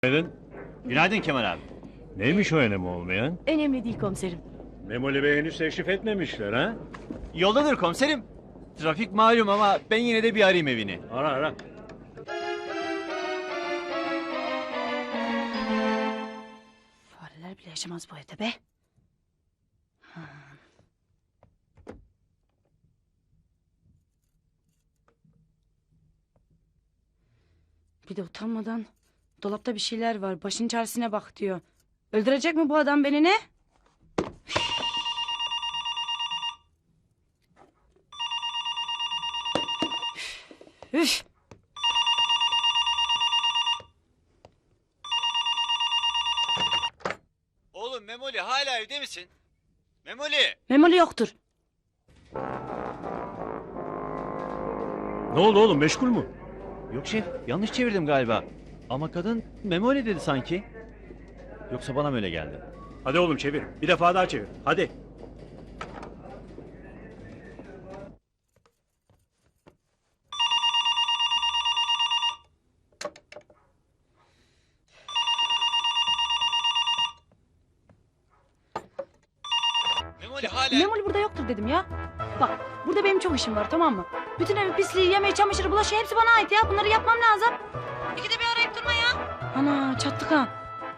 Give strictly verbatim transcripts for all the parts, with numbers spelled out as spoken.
Günaydın. Günaydın Kemal abi. Neymiş o önemi olmayan? Önemli değil komiserim. Memoli Bey henüz teşrif etmemişler ha? Yoldadır komiserim. Trafik malum ama ben yine de bir arayayım evini. Ara ara. Fareler bile yaşamaz bu evde be. Ha. Bir de utanmadan dolapta bir şeyler var. Başın çaresine bak diyor. Öldürecek mi bu adam beni ne? Üf. Oğlum Memoli hala evde misin? Memoli! Memoli yoktur. Ne oldu oğlum, meşgul mü? Yok şef, yanlış çevirdim galiba. Ama kadın Memoli dedi sanki. Yoksa bana mı öyle geldi? Hadi oğlum çevir. Bir defa daha çevir. Hadi. Memoli hala... Memoli burada yoktur dedim ya. Bak burada benim çok işim var, tamam mı? Bütün evi pisliği, yemeği, çamaşırı, bulaşığı hepsi bana ait ya. Bunları yapmam lazım. İkide bir arayıp durma ya. Ana çattık ha.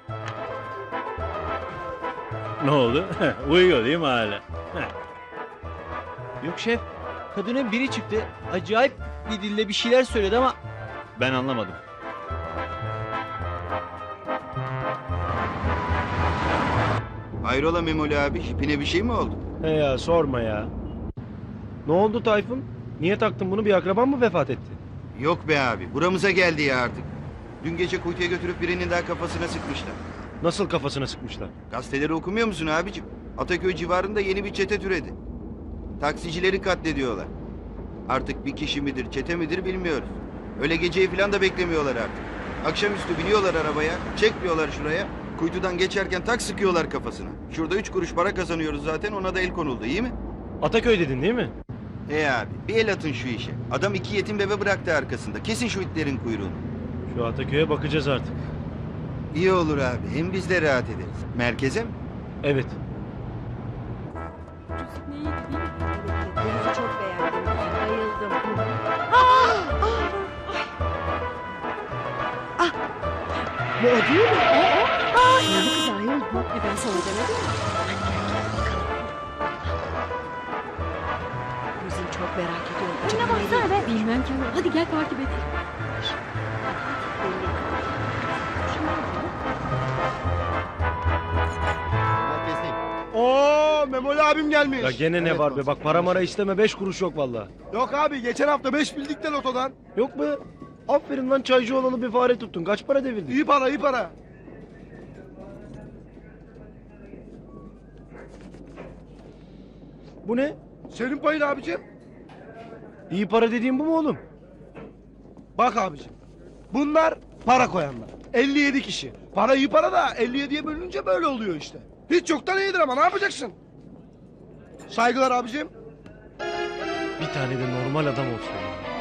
Ne oldu? Uyuyor değil mi hala? Yok şef, kadının biri çıktı. Acayip bir dille bir şeyler söyledi ama ben anlamadım. Hayrola Memoli abi, hipine bir şey mi oldu? He ya sorma ya. Ne oldu Tayfun? Niye taktın bunu? Bir akraban mı vefat etti? Yok be abi, buramıza geldi ya artık. Dün gece kuytuya götürüp birinin daha kafasına sıkmışlar. Nasıl kafasına sıkmışlar? Gazeteleri okumuyor musun abicim? Ataköy civarında yeni bir çete türedi. Taksicileri katlediyorlar. Artık bir kişi midir, çete midir bilmiyoruz. Öyle geceyi falan da beklemiyorlar artık. Akşamüstü biniyorlar arabaya, çekmiyorlar şuraya. Kuytudan geçerken tak sıkıyorlar kafasına. Şurada üç kuruş para kazanıyoruz zaten, ona da el konuldu, iyi mi? Ataköy dedin değil mi? He abi, bir el atın şu işe. Adam iki yetim bebe bıraktı arkasında. Kesin şu itlerin kuyruğunu. Şu Ataköy'e bakacağız artık. İyi olur abi, hem biz de rahat ederiz. Merkeze mi? Evet. Denizi çok beğendim. Bayıldım. Bu o değil mi? O o. Aa, ya kız ayol bu. E ben sana demedim mi? Kızım çok merak ediyorum. Önüne baksana be. Bilmem ki. Hadi gel takip et. Oo, Memoli abim gelmiş. Ya gene ne var be? Bak para mara isteme, beş kuruş yok vallahi. Yok abi, geçen hafta beş bildik de lotodan. Yok be. Aferin lan, çaycı olanı bir fare tuttun. Kaç para devirdin? İyi para, iyi para. Bu ne? Senin payın abicim. İyi para dediğin bu mu oğlum? Bak abicim. Bunlar para koyanlar. elli yedi kişi. Para iyi para da elli yediye bölününce böyle oluyor işte. Hiç yoktan iyidir ama ne yapacaksın? Saygılar abicim. Bir tane de normal adam olsun.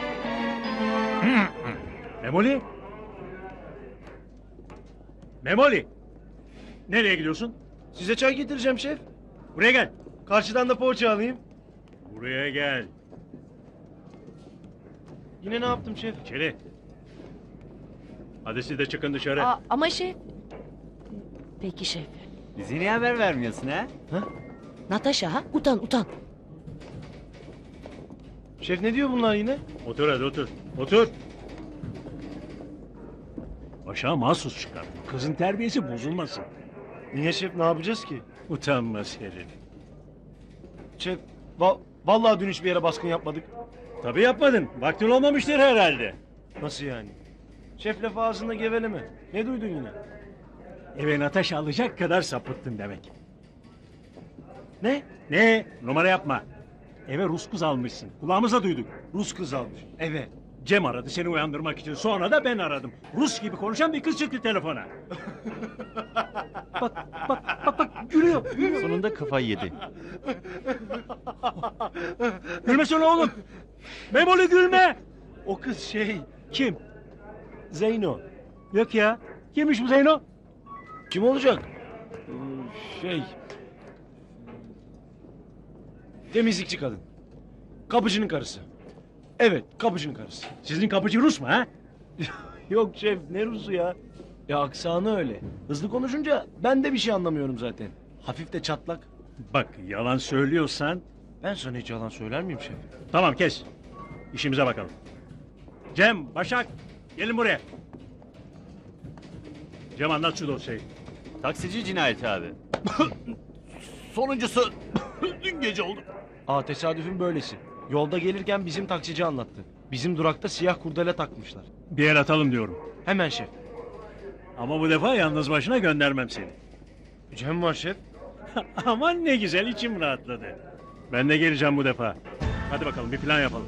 Memoli? Memoli! Nereye gidiyorsun? Size çay getireceğim şef. Buraya gel. Karşıdan da poğaça alayım. Buraya gel. Yine ne yaptım şef? İçeri. Hadi siz de çıkın dışarı. Aa, ama şef. Peki şef. Bize niye haber vermiyorsun ha? Natasha ha? Utan utan. Şef ne diyor bunlar yine? Otur hadi otur. Otur. Aşağı mahsus çıkar. Kızın terbiyesi bozulmasın. Niye şef, ne yapacağız ki? Utanmaz herif. Şef va- vallahi dün hiçbir yere baskın yapmadık. Tabii yapmadın. Vaktin olmamıştır herhalde. Nasıl yani? Şef lafı ağzında geveleme. Ne duydun yine? Eve Natasha alacak kadar sapıttın demek. Ne? Ne? Numara yapma. Eve Rus kız almışsın. Kulağımıza duyduk. Rus kız almış. Eve. Cem aradı seni uyandırmak için. Sonra da ben aradım. Rus gibi konuşan bir kız çıktı telefona. Bak bak bak bak gülüyor. gülüyor. Sonunda kafayı yedi. Gülmesene oğlum. Memoli gülme. O kız şey Kim? Zeyno. Yok ya. Kimmiş bu Zeyno? Kim olacak? Ee, Şey... Temizlikçi kadın. Kapıcının karısı. Evet, kapıcının karısı. Sizin kapıcı Rus mu ha? Yok şef, ne Rus'u ya? Ya aksanı öyle. Hızlı konuşunca ben de bir şey anlamıyorum zaten. Hafif de çatlak. Bak yalan söylüyorsan... Ben sana hiç yalan söyler miyim şef? Tamam kes. İşimize bakalım. Cem, Başak gelin buraya. Cem anlat şu dosyayı. Taksici cinayeti abi. Sonuncusu dün gece oldu. Aa tesadüfün böylesi. Yolda gelirken bizim taksici anlattı. Bizim durakta siyah kurdele takmışlar. Bir el atalım diyorum. Hemen şef. Ama bu defa yalnız başına göndermem seni. Cem var şef. Aman ne güzel içim rahatladı. Ben de geleceğim bu defa. Hadi bakalım bir plan yapalım.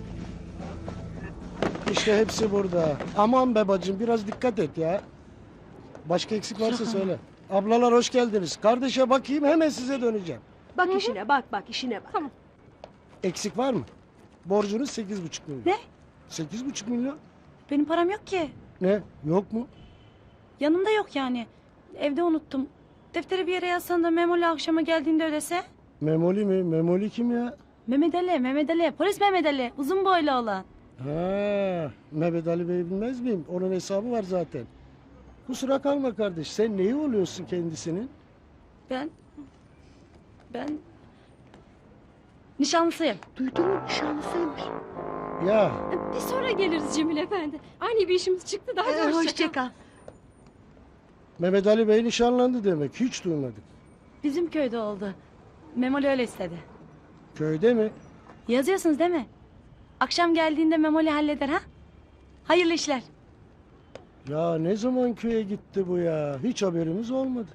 İşte hepsi burada. Aman be bacım biraz dikkat et ya. Başka eksik varsa söyle. Ablalar hoş geldiniz. Kardeşe bakayım hemen size döneceğim. Bak işine bak bak işine bak. Tamam. Eksik var mı? Borcunuz sekiz buçuk milyon. Ne? Sekiz buçuk milyon? Benim param yok ki. Ne? Yok mu? Yanımda yok yani. Evde unuttum. Defteri bir yere yazsan da Memoli akşama geldiğinde ödese. Memoli mi? Memoli kim ya? Mehmet Ali, Mehmet Ali. Polis Mehmet Ali. Uzun boylu olan. Ha, Mehmet Ali Bey bilmez miyim? Onun hesabı var zaten. Kusura kalma kardeş. Sen neyi oluyorsun kendisinin? Ben... Ben... Nişanlısıyım. Duydun mu nişanlısıymış. Ya Bir sonra geliriz Cemil Efendi. Ani bir işimiz çıktı daha Ee, hoşça, hoşça kal. Mehmet Ali Bey nişanlandı demek. Hiç duymadık. Bizim köyde oldu. Memoli öyle istedi. Köyde mi? Yazıyorsunuz değil mi? Akşam geldiğinde Memoli halleder ha? Hayırlı işler. Ya ne zaman köye gitti bu ya? Hiç haberimiz olmadı.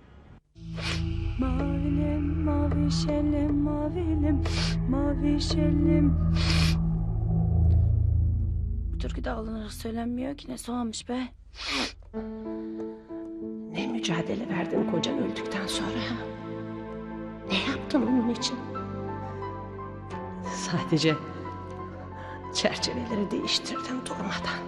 Mavilim, mavi şelim, mavilim, mavi şelim. Bu türkü de alınarak söylenmiyor ki ne soğanmış be. Ne mücadele verdin kocan öldükten sonra? Ne yaptın onun için? Sadece çerçeveleri değiştirdim durmadan.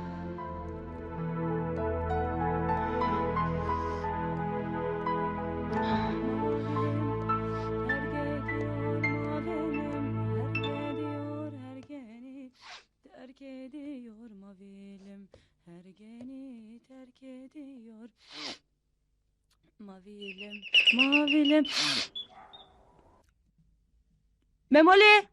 Terk ediyor mavilim, her geni terk ediyor. Mavilim, mavilim. Memoli!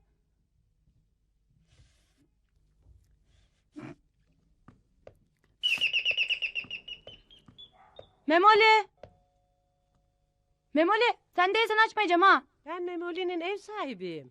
Memoli! Memoli, sen değilsen açmayacağım ha. Ben Memoli'nin ev sahibiyim.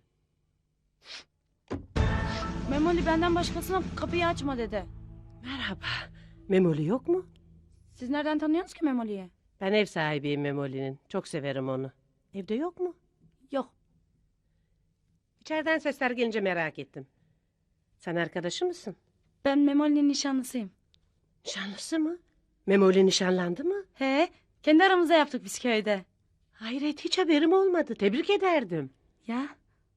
Memoli benden başkasına kapıyı açma dedi. Merhaba. Memoli yok mu? Siz nereden tanıyorsunuz ki Memoli'yi? Ben ev sahibiyim Memoli'nin. Çok severim onu. Evde yok mu? Yok. İçeriden sesler gelince merak ettim. Sen arkadaşı mısın? Ben Memoli'nin nişanlısıyım. Nişanlısı mı? Memoli nişanlandı mı? He, kendi aramızda yaptık biz köyde. Hayret hiç haberim olmadı. Tebrik ederdim. Ya,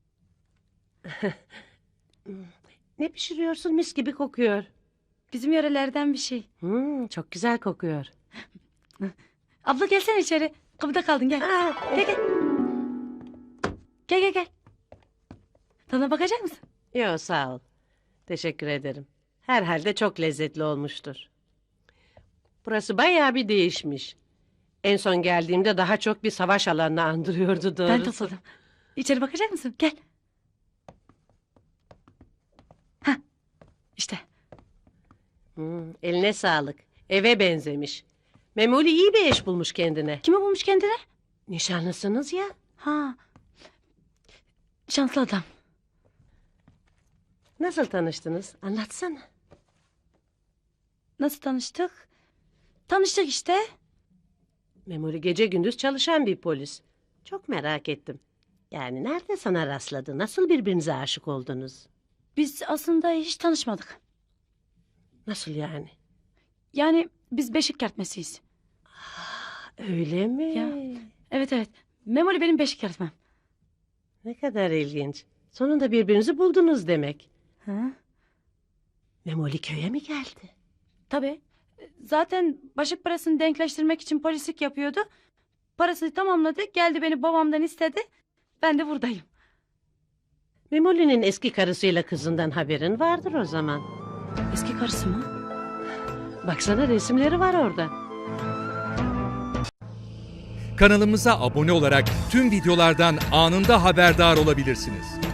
Ne pişiriyorsun? Mis gibi kokuyor. bizim yörelerden bir şey. Hmm, çok güzel kokuyor. Abla gelsene içeri. Kapıda kaldın gel. Aa, Gel gel. Gel gel gel. Tadına bakacak mısın? Yok sağ ol. Teşekkür ederim. Herhalde çok lezzetli olmuştur. Burası bayağı bir değişmiş. En son geldiğimde daha çok bir savaş alanını andırıyordu doğrusu. Ben topladım. İçeri bakacak mısın? Gel. Hah. İşte. Hmm, eline sağlık. Eve benzemiş. Memoli iyi bir eş bulmuş kendine. Kimi bulmuş kendine? Nişanlısınız ya. Ha. Şanslı adam. Nasıl tanıştınız? Anlatsana. Nasıl tanıştık? Tanıştık işte. Memoli gece gündüz çalışan bir polis. Çok merak ettim. Yani nerede sana rastladı? Nasıl birbirinize aşık oldunuz? Biz aslında hiç tanışmadık. Nasıl yani? Yani biz beşik kertmesiyiz. Öyle mi? Ya. Evet evet. Memoli benim beşik kertmem. Ne kadar ilginç. Sonunda birbirinizi buldunuz demek. Ha? Memoli köye mi geldi? Tabii. Zaten başlık parasını denkleştirmek için polislik yapıyordu. Parasını tamamladı. Geldi beni babamdan istedi. Ben de buradayım. Memoli'nin eski karısıyla kızından haberin vardır o zaman. Eski karısı mı? Baksana resimleri var orada. Kanalımıza abone olarak tüm videolardan anında haberdar olabilirsiniz.